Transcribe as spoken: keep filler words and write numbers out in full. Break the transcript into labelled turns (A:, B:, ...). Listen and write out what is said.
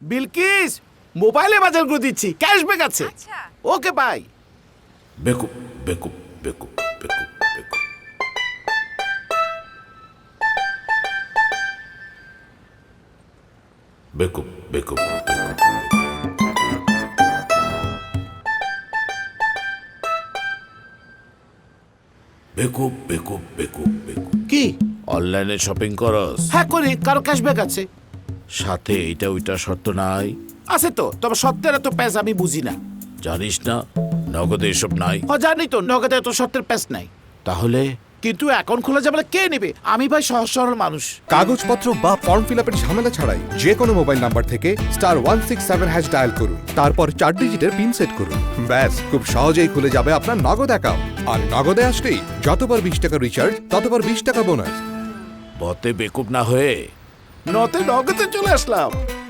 A: বিলকিস মোবাইলে বাজার করে দিচ্ছি, ক্যাশব্যাক আছে।
B: আচ্ছা।
A: Okay bye.
C: বেকুব বেকুব বেকুব বেকুব বেকুব বেকুব বেকুব বেকুব বেকুব বেকুব বেকুব
A: কি?
C: অনলাইনে শপিং করস,
A: হ্যাঁ করি, কারো ক্যাশব্যাক আছে।
C: সাথে এইটা ওইটা শর্ত নাই?
A: আছে তো, তবে সত্যের এত প্যাস আমি বুঝি না।
C: জানিস না নগদে এসব নাই?
A: ও জানি তো, নগদে এত সত্যের প্যাস নাই।
C: তাহলে
A: কিন্তু অ্যাকাউন্ট খোলা যাবে না, কে নেবে? আমি ভাই সহজ সরল মানুষ।
D: কাগজপত্র বা ফর্ম ফিল আপের ঝামেলা ছাড়াই যে কোনো মোবাইল নাম্বার থেকে star one six seven hash dial করুন, তারপর চার ডিজিটের পিন সেট করুন। ব্যাস, খুব সহজেই খুলে যাবে আপনার নগদ অ্যাকাউন্ট। আর নগদে আসলেই যতবার বিশ টাকা রিচার্জ ততবার বিশ টাকা বোনাস।
C: বতে বেকুব না হয়ে
A: নতে নগদে চলে আসলাম।